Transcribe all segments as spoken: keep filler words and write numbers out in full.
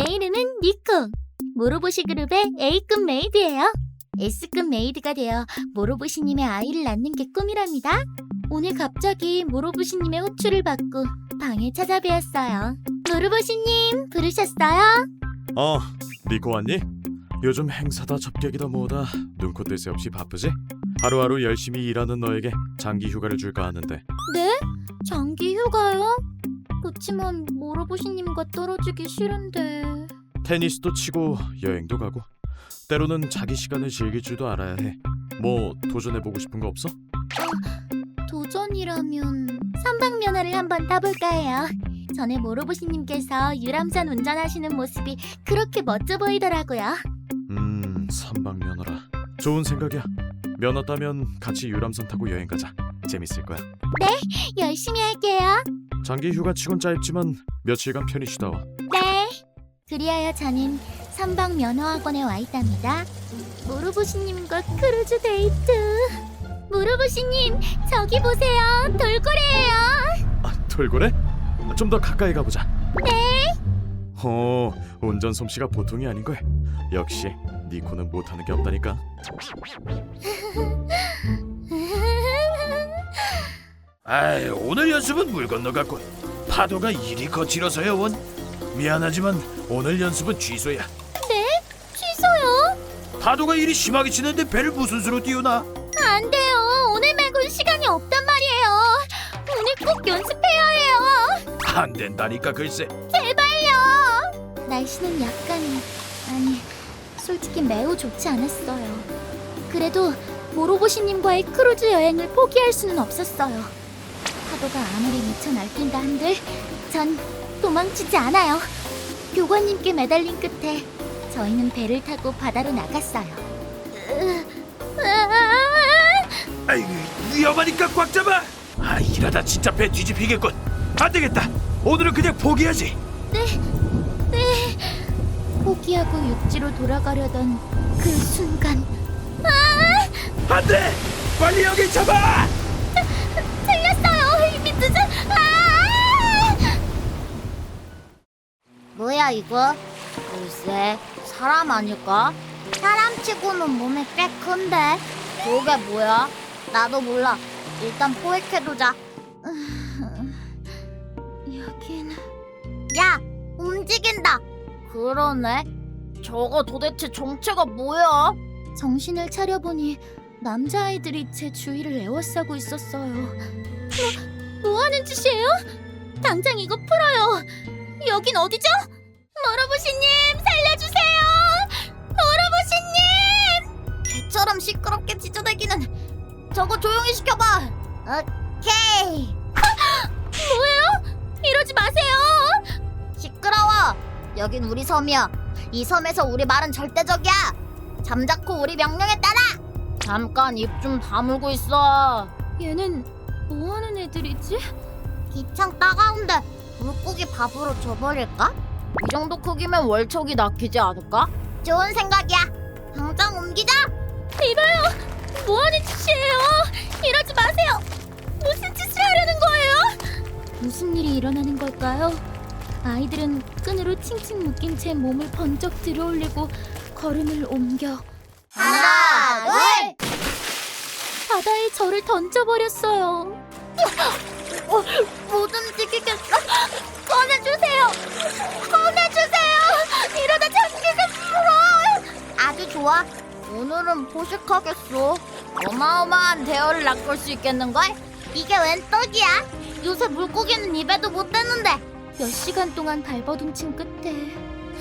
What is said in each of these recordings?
내 이름은 니코. 모로보시 그룹의 A급 메이드예요. S급 메이드가 되어 모로보시님의 아이를 낳는 게 꿈이랍니다. 오늘 갑자기 모로보시님의 호출을 받고 방에 찾아뵈었어요. 모로보시님 부르셨어요? 어, 니코 왔니? 요즘 행사다 접객이다 뭐다 눈코 뜰 새 없이 바쁘지? 하루하루 열심히 일하는 너에게 장기 휴가를 줄까 하는데. 네? 장기 휴가요? 그치만 모로보시님과 떨어지기 싫은데. 테니스도 치고 여행도 가고 때로는 자기 시간을 즐길 줄도 알아야 해. 뭐 도전해보고 싶은 거 없어? 도전이라면 삼박면허를 한번 타볼까 해요. 전에 모로보시님께서 유람선 운전하시는 모습이 그렇게 멋져 보이더라고요. 음, 삼박면허라. 좋은 생각이야. 면허 따면 같이 유람선 타고 여행 가자. 재밌을 거야. 네, 열심히 할게요. 장기 휴가치곤 짧지만 며칠간 편히 쉬다 와. 네. 그리하여 저는 삼박면허학원에 와 있답니다. 모로보시님과 크루즈 데이트. 모로보시님, 저기 보세요. 돌고래예요. 아, 돌고래? 좀 더 가까이 가보자. 네. 어, 운전 솜씨가 보통이 아닌걸. 역시 니코는 못하는 게 없다니까. 아이, 오늘 연습은 물 건너갔군. 파도가 이리 거칠어서요, 원. 미안하지만 오늘 연습은 취소야. 네? 취소요? 파도가 이리 심하게 치는데 배를 무슨 수로 띄우나? 안 돼요. 오늘 말고는 시간이 없단 말이에요. 오늘 꼭 연습해야 해요. 안 된다니까 글쎄. 제발요. 날씨는 약간, 아니, 솔직히 매우 좋지 않았어요. 그래도 모로보시님과의 크루즈 여행을 포기할 수는 없었어요. 파도가 아무리 미쳐 날뛴다 한들 전 도망치지 않아요. 교관님께 매달린 끝에 저희는 배를 타고 바다로 나갔어요. 아이, 위험하니까 꽉 잡아. 아, 이러다 진짜 배 뒤집히겠군. 안 되겠다. 오늘은 그냥 포기하지. 네, 네. 포기하고 육지로 돌아가려던 그 순간. 아! 안 돼. 빨리 여기 잡아. 틀렸어요. 이미 늦은. 아! 뭐야 이거? 글쎄, 사람 아닐까? 사람치고는 몸이 꽤 큰데. 저게 뭐야? 나도 몰라. 일단 포획해두자. 여긴. 야, 움직인다. 그러네. 저거 도대체 정체가 뭐야? 정신을 차려보니 남자아이들이 제 주위를 에워싸고 있었어요. 뭐, 뭐 하는 짓이에요? 당장 이거 풀어요. 여긴 어디죠? 모로보시님, 살려주세요! 모로보시님! 개처럼 시끄럽게 짖어대기는 저거 조용히 시켜봐. 오케이. 뭐예요? 이러지 마세요. 시끄러워. 여긴 우리 섬이야. 이 섬에서 우리 말은 절대적이야. 잠자코 우리 명령에 따라. 잠깐 입 좀 다물고 있어. 얘는 뭐 하는 애들이지? 기창 따가운데 물고기 밥으로 줘버릴까? 이 정도 크기면 월척이 낚이지 않을까? 좋은 생각이야. 당장 옮기자. 이봐요. 뭐 하는 짓이에요? 이러지 마세요. 무슨 짓을 하려는 거예요? 무슨 일이 일어나는 걸까요? 아이들은 끈으로 칭칭 묶인 제 몸을 번쩍 들어올리고 걸음을 옮겨 하나, 둘! 바다에 저를 던져버렸어요. 어, 못 움직이겠어. 꺼내주세요. 꺼내주세요. 이러다 잠기겠어. 아주 좋아. 오늘은 포식하겠어. 어마어마한 대어를 낚을 수 있겠는걸? 이게 웬 떡이야? 요새 물고기는 입에도 못 대는데. 몇 시간 동안 발버둥친 끝에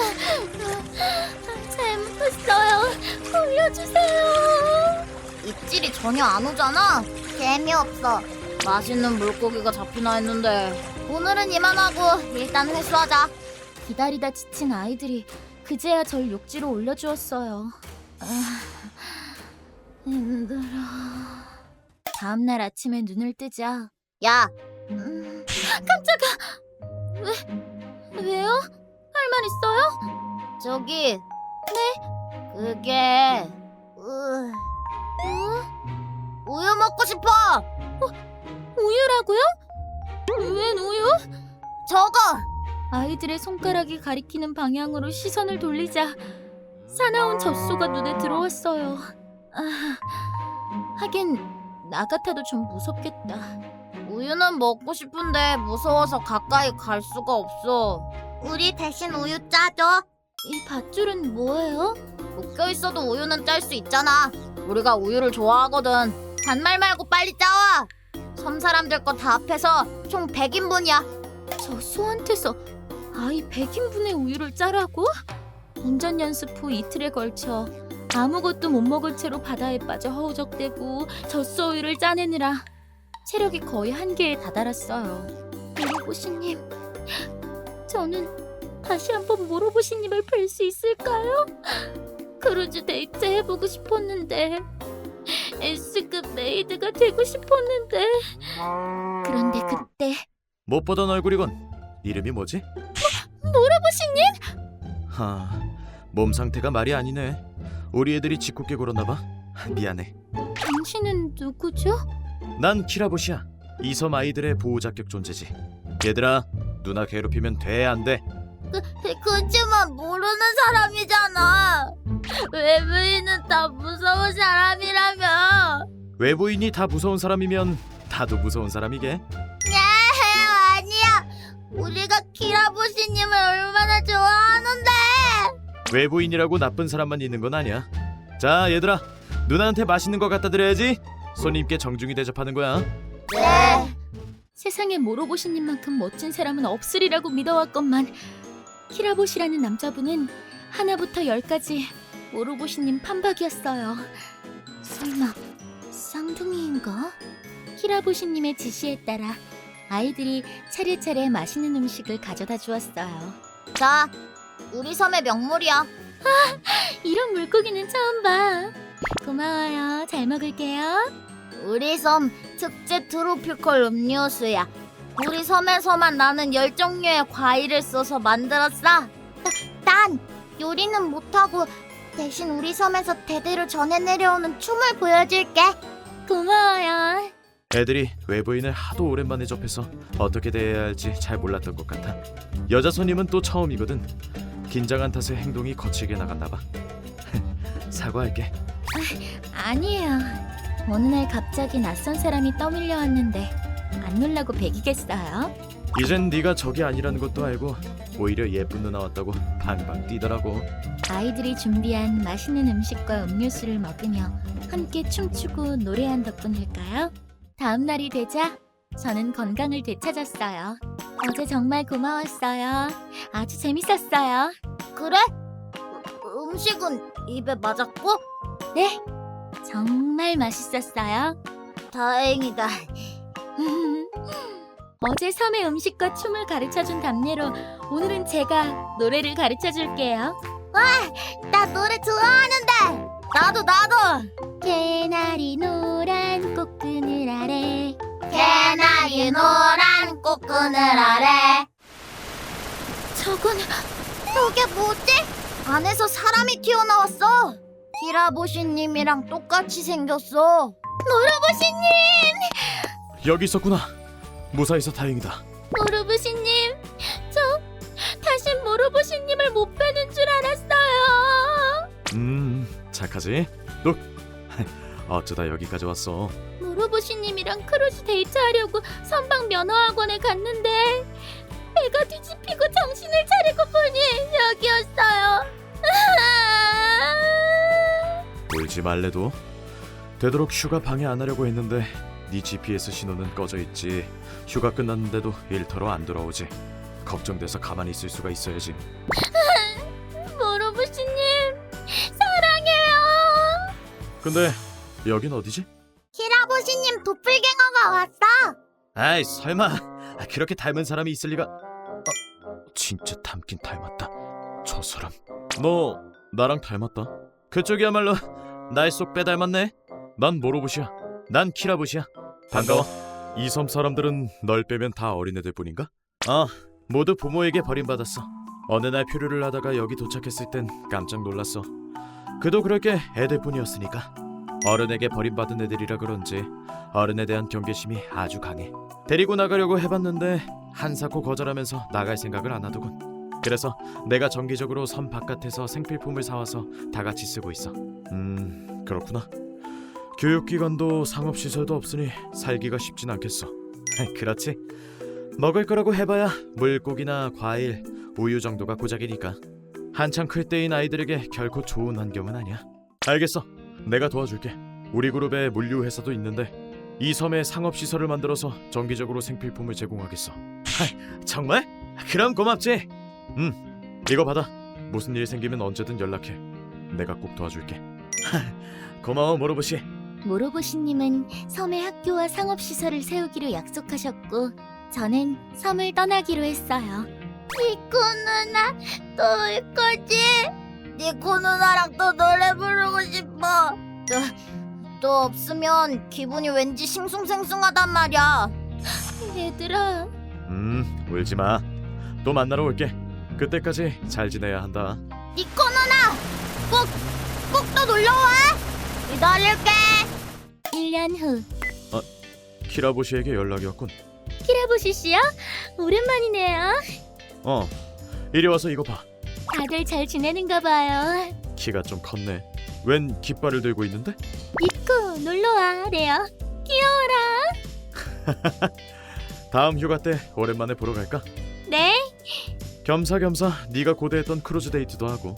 잘못했어요. 올려주세요. 입질이 전혀 안 오잖아. 재미없어. 맛있는 물고기가 잡히나 했는데. 오늘은 이만하고 일단 회수하자. 기다리다 지친 아이들이 그제야 절 욕지로 올려주었어요. 아, 힘들어. 다음날 아침에 눈을 뜨자. 야! 음, 깜짝아! 왜? 왜요? 할 말 있어요? 저기. 네? 그게. 으... 어? 우유 먹고 싶어. 어, 우유라고요? 웬 우유? 저거. 아이들의 손가락이 가리키는 방향으로 시선을 돌리자 사나운 젖소가 눈에 들어왔어요. 아, 하긴 나 같아도 좀 무섭겠다. 우유는 먹고 싶은데 무서워서 가까이 갈 수가 없어. 우리 대신 우유 짜줘. 이 밧줄은 뭐예요? 묶여 있어도 우유는 짤 수 있잖아. 우리가 우유를 좋아하거든. 잔말 말고 빨리 짜와. 섬 사람들 거 다 합해서 총 백 인분이야. 저 소한테서 아이 백 인분의 우유를 짜라고? 운전 연습 후 이틀에 걸쳐 아무것도 못 먹은 채로 바다에 빠져 허우적대고 젖소 우유를 짜내느라 체력이 거의 한계에 다다랐어요. 모로보시님, 저는 다시 한번 모로보시님을 뵐 수 있을까요? 크루즈 데이트 해보고 싶었는데 S급 메이드가 되고 싶었는데 그런데 그때 못 보던 얼굴이군. 이름이 뭐지? 모로보시님? 하, 몸 상태가 말이 아니네. 우리 애들이 짓궂게 굴었나 봐. 미안해. 당신은 누구죠? 난 키라보시야. 이 섬 아이들의 보호 자격 존재지. 얘들아, 누나 괴롭히면 돼, 안 돼? 그, 그치만 모르는 사람이잖아. 외부인은 다 무서운 사람이라며. 외부인이 다 무서운 사람이면 다도 무서운 사람이게. 네, 아니야. 우리가 키라보시님을 얼마나 좋아하는데. 외부인이라고 나쁜 사람만 있는 건 아니야. 자, 얘들아, 누나한테 맛있는 거 갖다 드려야지. 손님께 정중히 대접하는 거야. 네. 세상에 모로보시님만큼 멋진 사람은 없으리라고 믿어왔건만 키라보시라는 남자분은 하나부터 열까지 모로보시님 판박이었어요. 설마 쌍둥이인가? 키라보시님의 지시에 따라 아이들이 차례차례 맛있는 음식을 가져다 주었어요. 자, 우리 섬의 명물이야. 이런 물고기는 처음 봐. 고마워요. 잘 먹을게요. 우리 섬 특제 트로피컬 음료수야. 우리 섬에서만 나는 열 종류의 과일을 써서 만들었어. 나, 난 요리는 못하고 대신 우리 섬에서 대대로 전해 내려오는 춤을 보여줄게. 고마워요. 애들이 외부인을 하도 오랜만에 접해서 어떻게 대해야 할지 잘 몰랐던 것 같아. 여자 손님은 또 처음이거든. 긴장한 탓에 행동이 거칠게 나갔나 봐. 사과할게. 아니에요. 어느 날 갑자기 낯선 사람이 떠밀려 왔는데 안 놀라고 배기겠어요? 이젠 네가 적이 아니라는 것도 알고 오히려 예쁜 누나 왔다고 방방 뛰더라고. 아이들이 준비한 맛있는 음식과 음료수를 먹으며 함께 춤추고 노래한 덕분일까요? 다음 날이 되자 저는 건강을 되찾았어요. 어제 정말 고마웠어요. 아주 재밌었어요. 그래? 음, 음식은 입에 맞았고? 네, 정말 맛있었어요. 다행이다. 어제 섬의 음식과 춤을 가르쳐준 답례로 오늘은 제가 노래를 가르쳐줄게요. 나 노래 좋아하는데. 나도 나도. 개나리 노란 꽃그늘 아래 개나리 노란 꽃그늘 아래. 저건 저게 뭐지? 안에서 사람이 튀어나왔어. 키라보시님이랑 똑같이 생겼어. 모로보시님! 여기 있었구나. 무사해서 다행이다. 모로보시님, 저 다시 모로보시님을 못 뵈는 줄 알았어요. 음, 착하지? 너 어쩌다 여기까지 왔어? 모로보시님이랑 크루즈 데이트하려고 선박 면허학원에 갔는데 배가 뒤집히고 정신을 차리고 보니 여기였어요. 울지 말래도. 되도록 휴가 방해 안 하려고 했는데 네 지피에스 신호는 꺼져 있지. 휴가 끝났는데도 일터로 안 돌아오지. 걱정돼서 가만히 있을 수가 있어야지. 모로보시님, 사랑해요. 근데 여긴 어디지? 키라보시님 도플갱어가 왔어. 아이 설마. 아, 그렇게 닮은 사람이 있을 리가. 아, 진짜 닮긴 닮았다. 저 사람. 너 나랑 닮았다. 그쪽이야말로 날 쏙 빼닮았네. 난 모로보시야. 난 키라보시야. 반가워. 이 섬 사람들은 널 빼면 다 어린애들 뿐인가? 아, 모두 부모에게 버림받았어. 어느 날 표류를 하다가 여기 도착했을 땐 깜짝 놀랐어. 그도 그럴 게 애들 뿐이었으니까. 어른에게 버림받은 애들이라 그런지 어른에 대한 경계심이 아주 강해. 데리고 나가려고 해봤는데 한사코 거절하면서 나갈 생각을 안 하더군. 그래서 내가 정기적으로 섬 바깥에서 생필품을 사와서 다 같이 쓰고 있어. 음, 그렇구나. 교육기관도 상업시설도 없으니 살기가 쉽진 않겠어. 그렇지. 먹을 거라고 해봐야 물고기나 과일, 우유 정도가 고작이니까. 한창 클 때인 아이들에게 결코 좋은 환경은 아니야. 알겠어. 내가 도와줄게. 우리 그룹에 물류 회사도 있는데 이 섬에 상업시설을 만들어서 정기적으로 생필품을 제공하겠어. 하, 정말? 그럼 고맙지. 음, 이거 받아. 무슨 일 생기면 언제든 연락해. 내가 꼭 도와줄게. 하, 고마워 모로보시. 모로보시님은 섬에 학교와 상업시설을 세우기로 약속하셨고 저는 섬을 떠나기로 했어요. 니코 누나 또 올 거지? 니코 누나랑 또 노래 부르고 싶어. 또, 또 없으면 기분이 왠지 싱숭생숭하단 말이야. 얘들아, 음, 울지 마. 또 만나러 올게. 그때까지 잘 지내야 한다. 니코 누나 꼭 꼭 또 놀러와. 기다릴게. 일 년 후. 키라보시에게 연락이 왔군. 키라보시 씨요? 오랜만이네요. 어, 이리 와서 이거 봐. 다들 잘 지내는가 봐요. 키가 좀 컸네. 웬 깃발을 들고 있는데? 니코 놀러와, 레어. 귀여워라. 다음 휴가 때 오랜만에 보러 갈까? 네. 겸사겸사 네가 고대했던 크루즈 데이트도 하고.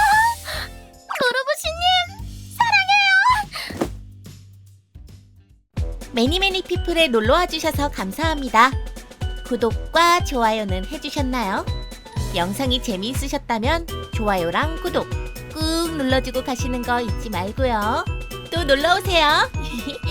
매니매니 피플에 놀러와 주셔서 감사합니다. 구독과 좋아요는 해주셨나요? 영상이 재미있으셨다면 좋아요랑 구독 꾹 눌러주고 가시는 거 잊지 말고요. 또 놀러오세요.